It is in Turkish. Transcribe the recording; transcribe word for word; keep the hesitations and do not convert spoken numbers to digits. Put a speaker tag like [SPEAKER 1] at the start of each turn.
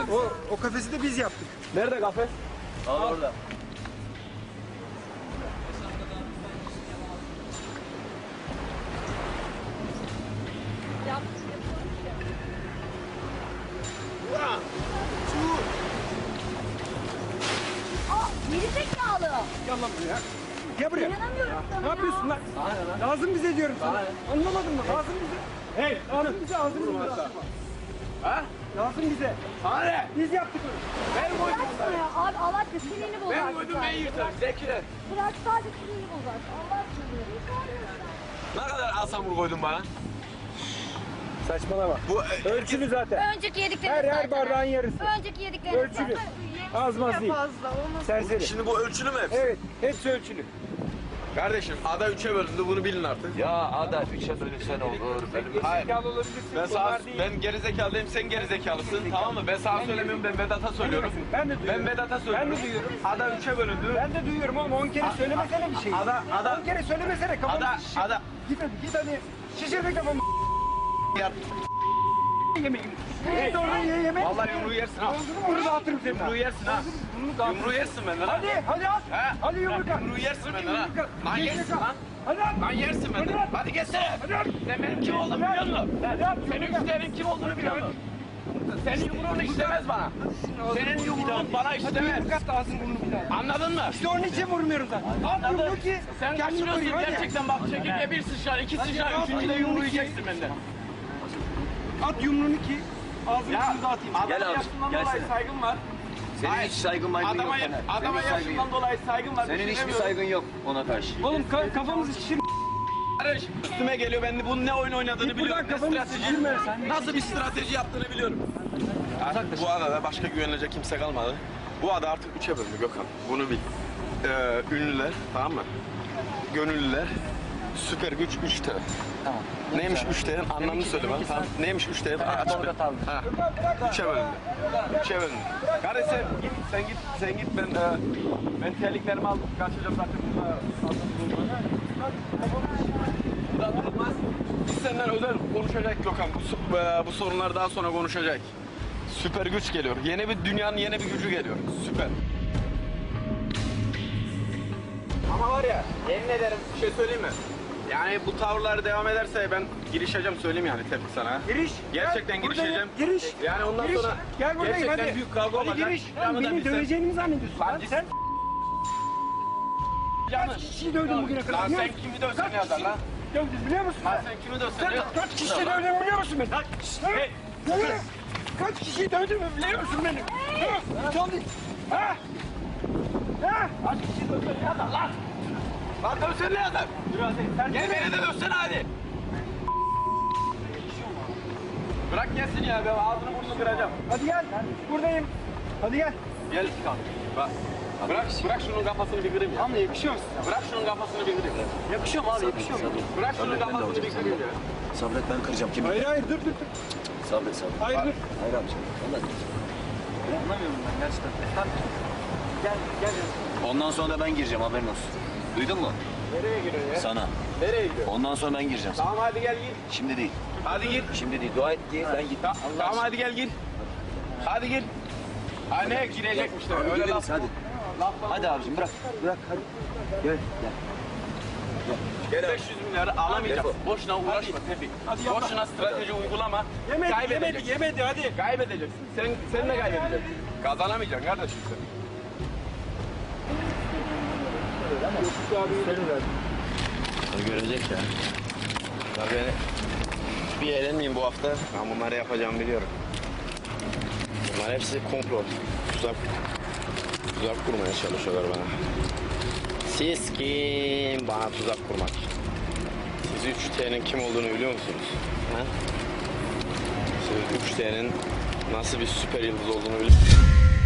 [SPEAKER 1] O, o kafesi de biz yaptık.
[SPEAKER 2] Nerede kafes?
[SPEAKER 3] Al orada.
[SPEAKER 4] Geri zekalı.
[SPEAKER 1] Gel lan buraya. Gel buraya.
[SPEAKER 4] İnanamıyorum sana
[SPEAKER 1] Ne
[SPEAKER 4] ya.
[SPEAKER 1] yapıyorsun lan? Lazım bize diyorum sana. Anlamadın mı? Lazım bize.
[SPEAKER 2] Hey!
[SPEAKER 1] Lazım bize, lazım bize.
[SPEAKER 2] Ha?
[SPEAKER 1] Lazım bize.
[SPEAKER 2] Sana ne?
[SPEAKER 1] Biz yaptık onu.
[SPEAKER 2] Ben koydum
[SPEAKER 4] Bıraksana
[SPEAKER 2] bunları.
[SPEAKER 4] ya. Abi Allah aşkına sinirini bozar.
[SPEAKER 2] Ben koydum ben yırtarım. Zekiler.
[SPEAKER 4] Bırak sadece sinirini bozar. Allah aşkına.
[SPEAKER 2] Ne kadar asamur koydun bana?
[SPEAKER 1] Saçmalama.
[SPEAKER 2] Bu
[SPEAKER 1] Ölçülü zaten.
[SPEAKER 4] Önceki yediklerini
[SPEAKER 1] Her her
[SPEAKER 4] zaten.
[SPEAKER 1] bardağın yarısı.
[SPEAKER 4] Önceki yediklerini
[SPEAKER 1] Ölçülü. Az maz değil. Serseri.
[SPEAKER 2] Şimdi bu ölçülü mü hepsi?
[SPEAKER 1] Evet, hepsi ölçülü.
[SPEAKER 2] Kardeşim ada üçe bölündü bunu bilin artık.
[SPEAKER 3] Ya ada üçe bölünsen olur. Benim
[SPEAKER 2] Hayır.
[SPEAKER 1] Zekalı olabilirsin.
[SPEAKER 2] Ben sana,
[SPEAKER 1] bunlar değil.
[SPEAKER 2] ben gerizekalıyım, sen gerizekalısın, tamam mı? Ben sana söylemiyorum, ben Vedat'a söylüyorum.
[SPEAKER 1] Ben de duyuyorum.
[SPEAKER 2] Ben Vedat'a söylüyorum.
[SPEAKER 1] Ben de duyuyorum.
[SPEAKER 2] Ada üçe bölündü.
[SPEAKER 1] Ben de duyuyorum oğlum. On kere söylemesene bir şey.
[SPEAKER 2] Ada, ada,
[SPEAKER 1] On kere söylemesene. Kafamı
[SPEAKER 2] ada,
[SPEAKER 1] şişir.
[SPEAKER 2] ada.
[SPEAKER 1] Git hadi, git hadi. Şişirme kafamı.
[SPEAKER 2] Ya,
[SPEAKER 1] Yemeğim. Git orada ye yemek.
[SPEAKER 2] vallahi yumruğu yersin ha.
[SPEAKER 1] Bunu dağıtırım seni.
[SPEAKER 2] Yumruğu yersin ha.
[SPEAKER 1] Bunu dağıtırım.
[SPEAKER 2] Yumruğu yersin benden ha.
[SPEAKER 1] Hadi, hadi at.
[SPEAKER 2] He?
[SPEAKER 1] Hadi yumruk at.
[SPEAKER 2] Yumruğu yersin
[SPEAKER 1] Hadi
[SPEAKER 2] benden ha.
[SPEAKER 1] yumruk at.
[SPEAKER 2] Lan
[SPEAKER 1] Geç
[SPEAKER 2] yersin
[SPEAKER 1] yaka.
[SPEAKER 2] lan.
[SPEAKER 1] Hadi at.
[SPEAKER 2] Lan yersin
[SPEAKER 1] Hadi
[SPEAKER 2] benden.
[SPEAKER 1] at.
[SPEAKER 2] Hadi geçsene.
[SPEAKER 1] Hadi at.
[SPEAKER 2] Sen benim kim olduğumu biliyor musun?
[SPEAKER 1] Hadi at.
[SPEAKER 2] Senin üstlerin kim olduğunu biliyor musun? Senin yumruğun işlemez bana. Senin yumruğun bana işlemez.
[SPEAKER 1] Yumruk at da ağzını burnunu bir daha.
[SPEAKER 2] Anladın mı?
[SPEAKER 1] İşte onun için vurmuyorum zaten. At yumruğu ki
[SPEAKER 2] Sen
[SPEAKER 1] kendini
[SPEAKER 2] kaçırıyorsun
[SPEAKER 1] koruyayım. Hadi.
[SPEAKER 2] gerçekten bak. Çekirge bir sıçrar, iki sıçrar, üçüncü de yumruğu yiyeceksin benden.
[SPEAKER 1] At yumruğunu ki ağzını
[SPEAKER 2] Ya
[SPEAKER 1] burnunu dağıtayım.
[SPEAKER 2] adama
[SPEAKER 3] Gel abi,
[SPEAKER 2] yaşından
[SPEAKER 3] gelsene.
[SPEAKER 2] dolayı saygım var.
[SPEAKER 3] Senin
[SPEAKER 2] Hayır.
[SPEAKER 3] hiç saygın maygın yok.
[SPEAKER 2] Adama,
[SPEAKER 3] Taner.
[SPEAKER 2] adama
[SPEAKER 3] Senin hiç saygın
[SPEAKER 2] yaşından
[SPEAKER 3] yok.
[SPEAKER 2] dolayı saygım var.
[SPEAKER 3] Senin hiçbir
[SPEAKER 2] düşünemiyorum.
[SPEAKER 3] saygın yok ona karşı.
[SPEAKER 1] Oğlum ka- kafamızı şişir.
[SPEAKER 2] Barış üstüme geliyor. Ben de bunun ne oyun oynadığını
[SPEAKER 1] Git
[SPEAKER 2] biliyorum.
[SPEAKER 1] buradan,
[SPEAKER 2] Ne
[SPEAKER 1] kafamı
[SPEAKER 2] strateji,
[SPEAKER 1] sikirme sen.
[SPEAKER 2] nasıl bir strateji yaptığını biliyorum. Artık bu adada başka güvenilecek kimse kalmadı. Bu ada artık üçe bölündü Gökhan. Bunu bil. Ee, ünlüler, tamam mı? Gönüllüler, süper güç üç T.
[SPEAKER 3] Tamam.
[SPEAKER 2] Neymiş üç T'nin anlamını söyle bana. Tamam. Neymiş üç T? Aç bir.
[SPEAKER 3] Tolga Talmış.
[SPEAKER 2] Ha. Üçe bölündü. Üçe bölündü. Kardeş sen git, sen git, sen git. Ben e, ben terliklerimi aldım. Kaçacağım zaten burada. Burada durulmaz. Biz senden özel konuşacak Gökhan. Bu, so- e, bu sorunlar daha sonra konuşacak. Süper güç geliyor. Yeni bir dünyanın yeni bir gücü geliyor. Süper. Ama var ya, yemin ederim bir şey söyleyeyim mi? Yani bu tavırlar devam ederse ben girişeceğim söyleyeyim yani tepki sana.
[SPEAKER 1] Giriş.
[SPEAKER 2] Gerçekten
[SPEAKER 1] Gel, buradayım.
[SPEAKER 2] girişeceğim.
[SPEAKER 1] Giriş.
[SPEAKER 2] Yani ondan
[SPEAKER 1] Giriş.
[SPEAKER 2] sonra
[SPEAKER 1] Gel buradayım
[SPEAKER 2] gerçekten
[SPEAKER 1] hadi.
[SPEAKER 2] büyük kavga
[SPEAKER 1] Hadi
[SPEAKER 2] olacak.
[SPEAKER 1] giriş.
[SPEAKER 2] Canı da
[SPEAKER 1] Beni
[SPEAKER 2] bilsen.
[SPEAKER 1] döveceğini mi zannediyorsun?
[SPEAKER 2] Lan
[SPEAKER 1] Lan
[SPEAKER 2] biz-
[SPEAKER 1] sen
[SPEAKER 2] Canı.
[SPEAKER 1] kaç kişiyi dövdün bugüne kadar?
[SPEAKER 2] Lan
[SPEAKER 1] biliyor
[SPEAKER 2] sen
[SPEAKER 1] musun?
[SPEAKER 2] kimi dövsen
[SPEAKER 1] Kaç
[SPEAKER 2] ne yazar
[SPEAKER 1] kişi
[SPEAKER 2] lan?
[SPEAKER 1] Dövdün biliyor musun?
[SPEAKER 2] Lan sen kimi dövsen
[SPEAKER 1] Sen
[SPEAKER 2] ne yazar?
[SPEAKER 1] kaç kişiyi dövdün biliyor musun beni?
[SPEAKER 2] Hey.
[SPEAKER 1] Söyle. Kaç kişiyi dövdün mü biliyor musun beni? Ha? Çaldı. Ha? Ha?
[SPEAKER 2] Kaç kişi dövsen ne yazar lan? Lan dövsen ne yazar? Gel beni de dövsene hadi. Bırak gelsin ya ben ağzını burnunu kıracağım.
[SPEAKER 1] Hadi gel. Buradayım. Hadi gel.
[SPEAKER 2] Gel kanka. Bak. Bırak, bırak şunun kafasını bir kırayım ya.
[SPEAKER 1] Ama yakışıyor musun?
[SPEAKER 2] Bırak şunun kafasını bir kırayım.
[SPEAKER 1] Yakışıyor mu abi? Yakışıyor mu?
[SPEAKER 2] Bırak şunun
[SPEAKER 3] Sabret, ben de
[SPEAKER 2] kafasını bir
[SPEAKER 3] alacağım
[SPEAKER 2] kırayım ya.
[SPEAKER 3] Sabret ben kıracağım kimi?
[SPEAKER 1] Hayır hayır dur dur dur.
[SPEAKER 3] Sabret sabret.
[SPEAKER 1] Hayır dur.
[SPEAKER 3] Hayır abicim. Vallahi.
[SPEAKER 1] Anlamıyorum ben gerçekten. Hadi. Gel gel.
[SPEAKER 3] Ondan sonra da ben gireceğim haberin olsun. Duydun mu?
[SPEAKER 2] Nereye giriyorsun ya?
[SPEAKER 3] Sana.
[SPEAKER 2] Nereye gidiyorsun?
[SPEAKER 3] Ondan sonra ben gireceğim sana.
[SPEAKER 2] Tamam hadi gel gir.
[SPEAKER 3] Şimdi değil.
[SPEAKER 2] Hadi gir.
[SPEAKER 3] Şimdi değil. Dua et ki ben gittim.
[SPEAKER 2] Tamam hadi gel gir. Hadi gir. Ha ne girecekmiş de
[SPEAKER 3] Hadi
[SPEAKER 2] öyle
[SPEAKER 3] gireriz,
[SPEAKER 2] laf.
[SPEAKER 3] hadi.
[SPEAKER 2] Laf
[SPEAKER 3] Hadi abicim bırak. Bırak hadi. Gel gel.
[SPEAKER 2] beş yüz milyarı alamayacaksın.
[SPEAKER 3] Hadi.
[SPEAKER 2] Boşuna uğraşma Tevfik.
[SPEAKER 1] Hadi yapma.
[SPEAKER 2] Boşuna strateji uygulama.
[SPEAKER 1] Yemedi yemedi
[SPEAKER 2] Kaybedeceksin.
[SPEAKER 1] yemedi hadi.
[SPEAKER 2] Kaybedeceksin. Sen, sen de kaybedeceksin. Kazanamayacaksın kardeşim sen. O görecek ya. Ya ben bir eğlenmeyeyim bu hafta. Ben bunları yapacağımı biliyorum. Bunlar hepsi komplo. Tuzak, tuzak kurmaya çalışıyorlar bana. Siz kim bana tuzak kurmak? Siz üç T'nin kim olduğunu biliyor musunuz? Ha? Siz üç T'nin nasıl bir süper yıldız olduğunu biliyor musunuz?